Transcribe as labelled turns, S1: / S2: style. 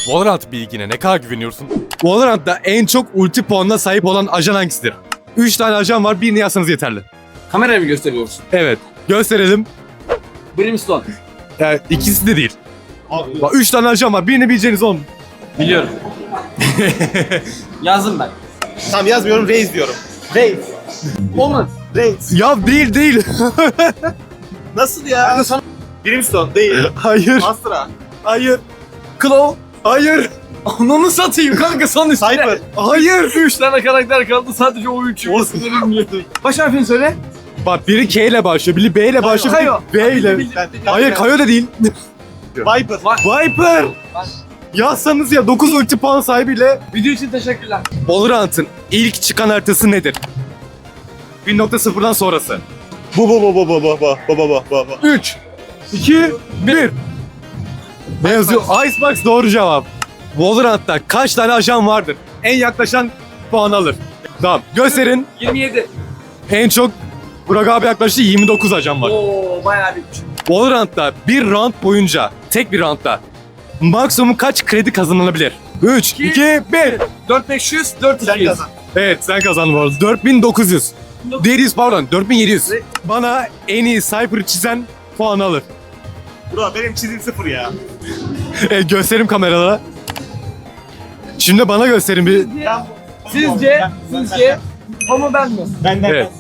S1: Valorant bilgine ne kadar güveniyorsun? Valorant'ta en çok ulti puanına sahip olan ajan hangisidir? 3 tane ajan var, birini yazsanız yeterli.
S2: Kameraya mı gösteriyoruz?
S1: Evet, gösterelim.
S2: Brimstone.
S1: Yani ikisi de değil. Bak 3 tane ajan var, birini bileceğiniz on.
S2: Biliyorum. Yazdım ben.
S3: Tamam yazmıyorum, Reis diyorum. Reis.
S2: Olmaz.
S3: Reis.
S1: Ya değil.
S3: Nasıl ya? Brimstone değil.
S1: Hayır,
S3: Astra.
S1: hayır,
S2: Claw.
S1: hayır,
S2: Ananı satayım kanka son üstüne.
S3: Cypher.
S1: hayır.
S2: 3 tane karakter kaldı sadece o 3'ü.
S3: Olsun.
S2: Baş harfini söyle.
S1: Bak biri K ile başlıyor, biri B ile başlıyor,
S2: Kayo.
S1: biri B ile. Hayır, Kayo da değil.
S3: Viper.
S1: Viper. Yazsanız ya 9 ulti puan sahibiyle.
S2: Video için teşekkürler.
S1: Valorant'ın ilk çıkan haritası nedir? 1.0'dan sonrası.
S3: Bu.
S1: 3, 2, 1. Ne yazıyor? Icebox doğru cevap. Valorant'ta kaç tane ajan vardır? En yaklaşan puan alır. Tamam. Gösterin.
S2: 27.
S1: En çok Burak abi yaklaştı, 29 ajan var.
S2: Oo bayağı bitmiş.
S1: Valorant'ta bir round boyunca, tek bir roundda maksimum kaç kredi kazanılabilir? 3, 2, 1.
S2: 4500, 4200.
S3: Sen kazan.
S1: Evet, sen kazandın bu arada. 4900. 700 pardon, 4700. Bana en iyi Cypher'ı çizen puan alır.
S3: Bro benim çizim 0 ya.
S1: Gösterim kameralara. Şimdi bana gösterin bir.
S2: Sizce o mu ben mi?
S3: Benden
S1: Evet.